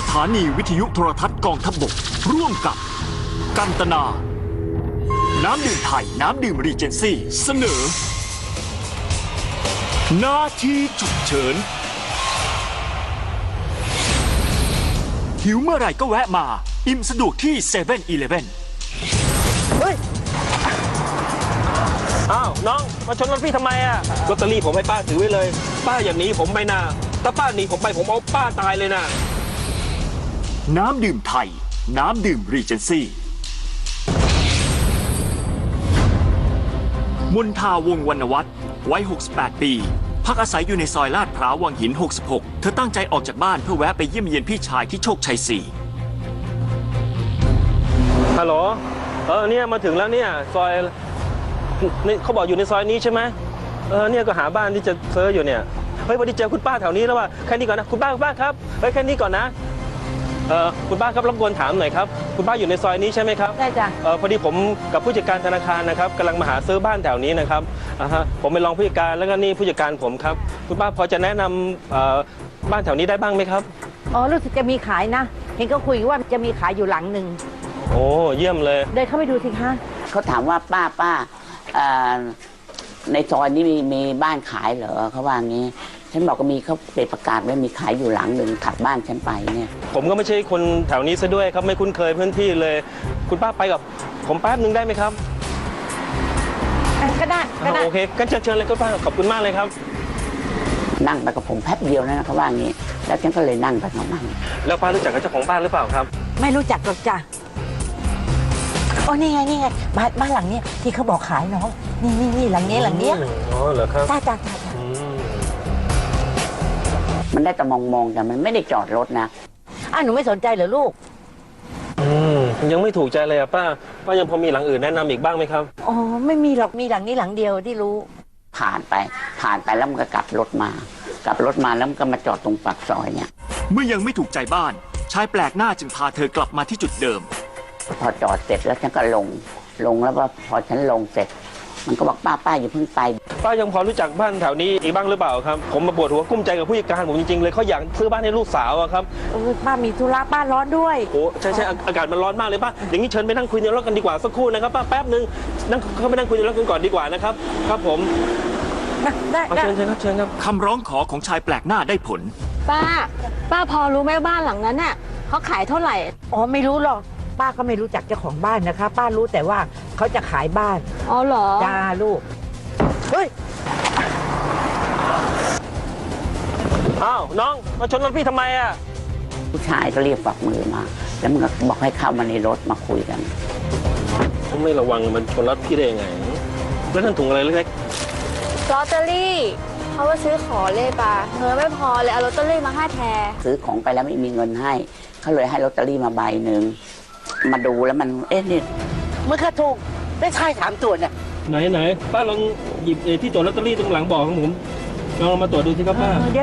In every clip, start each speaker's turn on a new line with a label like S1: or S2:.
S1: ถานีวิทยุโทรทัศน์กองทัพบกร่วมกับกันตนา น้ำดื่มไทย น้ำดื่มรีเจนซี่เสนอหน้าที่ฉุกเฉินหิวเมื่อไหร่ก็แวะมา อิ่มสะดวกที่7-11
S2: เฮ้ย อ้าว น้อง มาชนรถพี่ทำไมอะลอตเตอรี่ผมให้ป้าถือไว้เลย ป้าอย่างนี้ผมไม่น่าถ้าป้าหนีผมไปผมเอาป้าตายเลยนะ
S1: น้ำดื่มไทย น้ำดื่มรีเจนซี่มนทาวงศ์วรรณวัฒน์วัย 68 ปี พักอาศัยอยู่ในซอยลาดพร้าววังหิน 66 เธอตั้งใจออกจากบ้านเพื่อแวะไปเยี่ยมเยียนพี่ชายที่โชคชัย 4
S2: ฮัลโหล เนี่ยมาถึงแล้วเนี่ยซอยนี่เขาบอกอยู่ในซอยนี้ใช่ไหมเนี่ยก็หาบ้านที่จะเซิร์ชอยู่เนี่ย เฮ้ยวันนี้เจอคุณป้าแถวนี้แล้วว่าแค่นี้ก่อนนะ คุณป้าครับ เฮ้ยแค่นี้ก่อนนะ คุณป้าครับรบกวนถามหน่อยครับ คุณป้าอยู่ในซอยนี้ใช่ไหมครับ
S3: ได้จ้ะ
S2: พอดีผมกับผู้จัดการธนาคารนะครับกำลังมาหาซื้อบ้านแถวนี้นะครับผมเป็นรองผู้จัดการแล้วก็นี่ผู้จัดการผมครับ คุณป้าพอจะแนะนำบ้านแถวนี้ได้บ้างไหมครับ
S3: อ๋อรู้สึกจะมีขายนะ เห็นก็คุยว่าจะมีขายอยู่หลังหนึ่ง
S2: โอ้เยี่ยมเลย
S3: เดินเข้าไปดูสิคะ
S4: เขาถามว่าป้าในซอยนี้มีบ้านขายเหรอเขาว่างี้ฉันบอกก็มีเขาเปิดประกาศไว้มีขายอยู่หลังหนึ่งถัดบ้านฉันไปเนี่ย
S2: ผมก็ไม่ใช่คนแถวนี้ซะด้วยครับไม่คุ้นเคยพื้นที่เลย คุณป้าไปกับผมแป๊บนึงได้ไหมครับ
S3: ก็ได้ก็ได้
S2: โอเคก็เชิญเลยคุณป้าขอบคุณมากเลยครับ
S4: นั่งไปกับผมแป๊บเดียวนะเขาว่างี้แล้วฉันก็เลยนั่งไปของมัน
S2: แล้วป้ารู้จักกับเจ้าของบ้านหรือเปล่าครับ
S3: ไม่รู้จักหรอกจ้ะโอ้นี่ไงบ้านหลังเนี้ยที่เขาบอกขายน้องนี่หลังเนี้ย
S2: อ๋อเหรอครับ
S3: จ้า
S4: มันได้แต่มองแต่มันไม่ได้จอดรถนะ
S3: หนูไม่สนใจเหรอลูก
S2: ยังไม่ถูกใจเลยอะป้ายังพอมีหลังอื่นแนะนำอีกบ้างไหมครับ
S3: อ๋อไม่มีหรอกมีหลังนี้หลังเดียวที่รู้
S4: ผ่านไปแล้วมันก็กลับรถมาแล้วมันก็มาจอดตรงปากซอยเนี่ย
S1: เมื่อยังไม่ถูกใจบ้าน ชายแปลกหน้าจึงพาเธอกลับมาที่จุดเดิม
S4: พอจอดเสร็จแล้วฉันก็ลงแล้วก็พอฉันลงเสร็จ มันก็บอกป้าอย่าเพิ่งไป
S2: ป้ายังพอรู้จักบ้านแถวนี้อีกบ้างหรือเปล่าครับผมมาปวดหัวกุ้มใจกับผู้จัดการผมจริงๆเลยเขาอยากซื้อบ้านให้ลูกสาวอะครับ
S3: ป้ามีธุระบ้านร้อนด้วย
S2: โอ้ใช่อากาศมันร้อนมากเลยป้าอย่างนี้เชิญไปนั่งคุยในรถกันดีกว่าสักครู่นะครับป้าแป๊บนึงนั่งเข้าไปนั่งคุยในรถกันก่อนดีกว่านะครับครับผม
S3: ได้
S2: เอาเชิญครับ
S1: คำร้องขอของชายแปลกหน้าได้ผล
S5: ป้าพอรู้ไหมบ้านหลังนั้นน่ะเขาขายเท่าไหร่
S3: อ๋อไม่รู้หรอกป้าก็ไม่รู้จักเจ้าของบ้านนะคะ ป้ารู้แต่ว่าเขาจะขายบ้าน
S5: อ๋อเหรอ
S3: จ้าลูกเฮ้ย
S2: อ้าวน้องมาชนรถพี่ทำไมอะ
S4: ผู้ชายก็เรียกฝักมือมา แล้วมันก็บอกให้เข้ามาในรถมาคุยกัน
S2: ผมไม่ระวังมันชนรถพี่ได้ยังไงแล้วนั่นถุงอะไรเล็ก
S5: ลอตเตอรี่เขาว่าซื้อขอเลยป้าเงินไม่พอเลยเอาลอตเตอรี่มาให้แทน
S4: ซื้อของไปแล้วไม่มีเงินให้เขาเลยให้ลอตเตอรี่มาใบหนึ่งมาดูแล้วมันนี่
S3: มันก็ถูกได้ชาย3 ตัวเนี่ย
S2: ๆไหนป้าลองหยิบที่ตัวลอตเตอรี่ตรงหลังบอกของผมลองมาตรวจดูสิครับป้า
S3: เดี๋ยว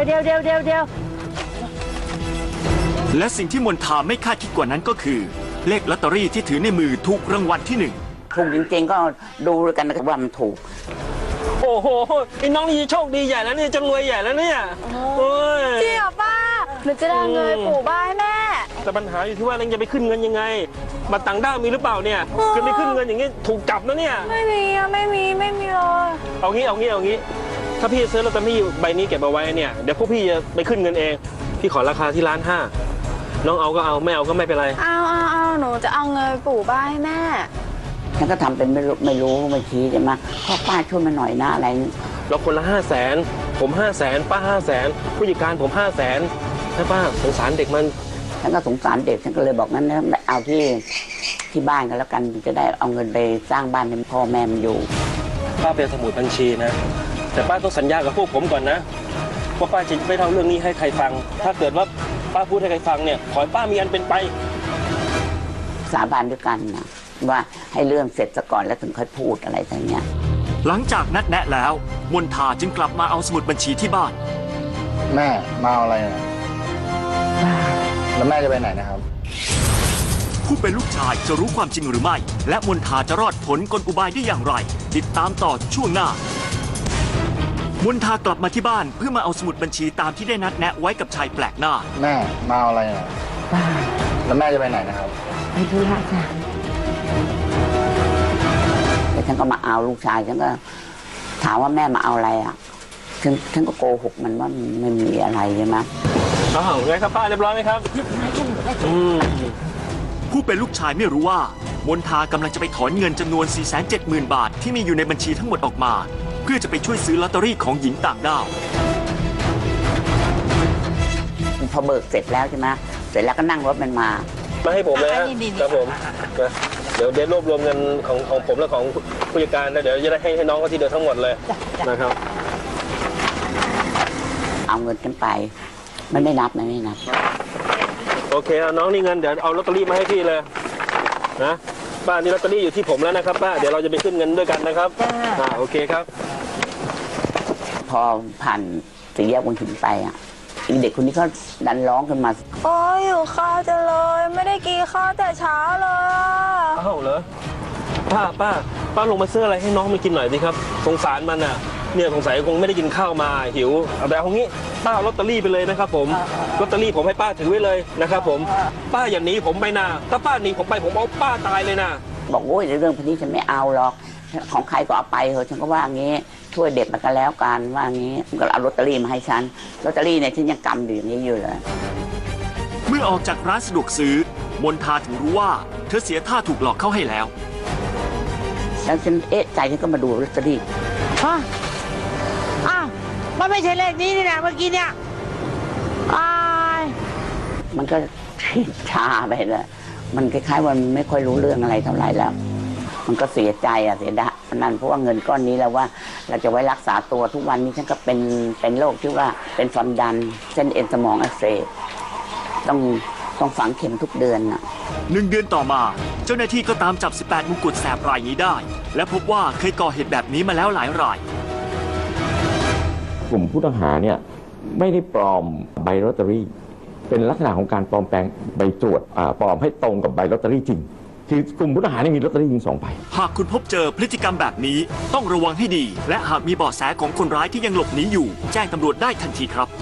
S1: และสิ่งที่มนทาไม่คาดคิดกว่านั้นก็คือ เลขลอตเตอรี่ที่ถือในมือถูกรางวัลที่ 1
S4: ถูกจริงๆก็ดูกันนะว่ามันถูก
S2: โอ้โหไอ้น้องนี่โชคดีใหญ่แล้วเนี่ยจะรวยใหญ่แล้วเนี่ยโอ้ย
S5: จริงเหรอป้าหนูจะได้เงินปู่บ้านให้แม่
S2: แต่ปัญหาอยู่ที่ว่าเราจะไปขึ้นเงินยังไงบัตรต่างด้าวมีหรือเปล่าเนี่ยจะไปขึ้นเงินอย่างงี้ถูกจับนะเนี่ย
S5: ไม่มีเลย
S2: เอางี้ถ้าพี่ซื้อลอตเตอรี่ใบนี้เก็บเอาไว้เนี่ยเดี๋ยวพวกพี่จะไปขึ้นเงินเองพี่ขอราคาที่1.5 ล้านน้องเอาก็เอาไม่เอาก็ไม่เป็นไร
S5: เอาหนูจะเอาเงินปู่บ้านให้แม่
S4: ฉันก็ทำเป็นไม่รู้ไม่ชี้ใช่ไหมพ่อป้าช่วยมาหน่อยนะอะไร
S2: เราคนละ500,000ผม500,000ป้า500,000ผู้จัดการผม500,000นะป้าสงสารเด็กมัน
S4: ฉันก็สงสารเด็กฉันก็เลยบอกงั้นนะเอาที่บ้านกันแล้วกันจะได้เอาเงินไปสร้างบ้านให้พ่อแม่มันอยู่
S2: ป้าเป็นสมุดบัญชีนะแต่ป้าต้องสัญญากับพวกผมก่อนนะว่าป้าจะไม่เล่าเรื่องนี้ให้ใครฟัง ถ้าเกิดว่าป้าพูดให้ใครฟังเนี่ยขอให้ป้ามีอันเป็นไป
S4: สาบานด้วยกันนะว่าให้เรื่องเสร็จซะก่อนแล้วถึงค่อยพูดอะไรอย่างเงี้ย
S1: หลังจากนัดแนะแล้ว มนทาจึงกลับมาเอาสมุดบัญชีที่บ้าน
S6: แม่มาเอาอะไรนะแล้วแม่จะไปไหนนะครับ
S1: ผู้เป็นลูกชายจะรู้ความจริงหรือไม่ และมนทาจะรอดผลกลอุบายได้อย่างไร ติดตามต่อช่วงหน้ามนทากลับมาที่บ้านเพื่อมาเอาสมุดบัญชีตามที่ได้นัดแนะไว้กับชายแปลกหน้า
S6: แม่มาเอาอะไรนะ
S3: เปป้า
S6: แล้วแม่จะไปไหนนะครับ
S3: ไปธุระจ้ะ
S4: แล้วฉันก็มาเอาลูกชายฉันก็ถามว่าแม่มาเอาอะไรอ่ะฉันก็โกหกมันว่าไม่มีอะไรใช่ไหม
S2: อ้าวไงครับป้าเรียบร้อยไหมครับอืม
S1: ผู้เป็นลูกชายไม่รู้ว่ามนทากำลังจะไปถอนเงินจำนวน 470,000 บาทที่มีอยู่ในบัญชีทั้งหมดออกมา เพื่อจะไปช่วยซื้อลอตเตอรี่ของหญิงต่างด้าว
S4: พอเบิกเสร็จแล้วใช่ไหมเสร็จแล้วก็นั่งรถมันมา
S2: มาให้ผมเลยฮะ
S3: นี่
S2: ครับผมนะเดี๋ยวรวบรวมเงินของผมและของผู้จัดการแล้วเดี๋ยวจะได้ให้น้องเขาทีเดียวทั้งหมดเลย
S3: จ้ะ
S2: นะครับ
S4: เอาเงินฉันไปมันไม่นับ
S2: โอเคเอาน้องนี่เงินเดี๋ยวเอาลอตเตอรี่มาให้พี่เลยนะป้านี่ลอตเตอรี่อยู่ที่ผมแล้วนะครับป้าเดี๋ยวเราจะไปขึ้นเงินด้วยกันนะครับโอเคครับ
S4: พอผ่านสี่แยกวังหินไปอ่ะอีเด็กคนนี้ก็ดันร้องขึ้นมา
S5: โอ้ยหิวข้าวจังเลย ไม่ได้กินข้าวแต่เช้าเลยอะ
S2: อ้าวเหรอป้าลงมาซื้ออะไรให้น้องมันกินหน่อยสิครับสงสารมันอ่ะเนี่ยสงสัยคงไม่ได้กินข้าวมาหิวเอาแต่เอางี้ป้าเอาลอตเตอรี่ไปเลยนะครับผมลอตเตอรี่ผมให้ป้าถือไว้เลยนะครับผมป้าอย่าหนีผมไปนะถ้าป้าหนีผมไปผมเอาป้าตายเลยนะ
S4: บอกโอ้ยเรื่องพวกนี้ฉันไม่เอาหรอกของใครก็เอาไปเถอะฉันก็ว่างี้ช่วยเด็กมันก็แล้วกันว่างี้มันก็เอาลอตเตอรี่มาให้ฉันลอตเตอรี่เนี่ยฉันยังกำอยู่อย่างนี้อยู่เลย
S1: เมื่อออกจากร้านสะดวกซื้อมนทาถึงรู้ว่าเธอเสียท่าถูกหลอกเข้าให้แล้ว
S4: แล้วฉันเอ๊ะใจฉันก็มาดูลอตเตอรี่
S3: ฮะอ้าวมันไม่ใช่เลขนี้นี่นะเมื่อกี้เนี่ยอ้าย
S4: มันก็ชาไปเลยมันคล้ายๆว่ามันไม่ค่อยรู้เรื่องอะไรเท่าไหร่แล้ว มันก็เสียใจเสียดายนั่นเพราะว่าเงินก้อนนี้แล้วว่าเราจะไว้รักษาตัวทุกวันนี้ฉันก็เป็นโรคที่ว่าเป็นความดันเส้นเอ็นสมองอักเสบต้องฝังเข็มทุกเดือนน่ะ
S1: 1 เดือนต่อมาเจ้าหน้าที่ก็ตามจับ 18 มงกุฎแสบรายนี้ได้ และพบว่าเคยก่อเหตุแบบนี้มาแล้วหลายราย
S7: กลุ่มผู้ต้องหาเนี่ยไม่ได้ปลอมใบลอตเตอรี่ เป็นลักษณะของการปลอมแปลงใบตรวจปลอมให้ตรงกับใบลอตเตอรี่จริงคือกลุ่มผู้ต้องหาเนี่ยมีลอตเตอรี่จริง2 ใบ
S1: หากคุณพบเจอพฤติกรรมแบบนี้ต้องระวังให้ดี และหากมีเบาะแสของคนร้ายที่ยังหลบหนีอยู่ แจ้งตำรวจได้ทันทีครับ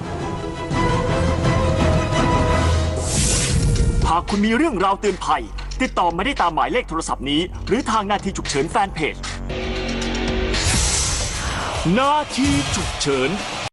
S1: หากคุณมีเรื่องราวเตือนภัย ติดต่อมาได้ตามหมายเลขโทรศัพท์นี้ หรือทางนาทีฉุกเฉินแฟนเพจนาทีฉุกเฉิน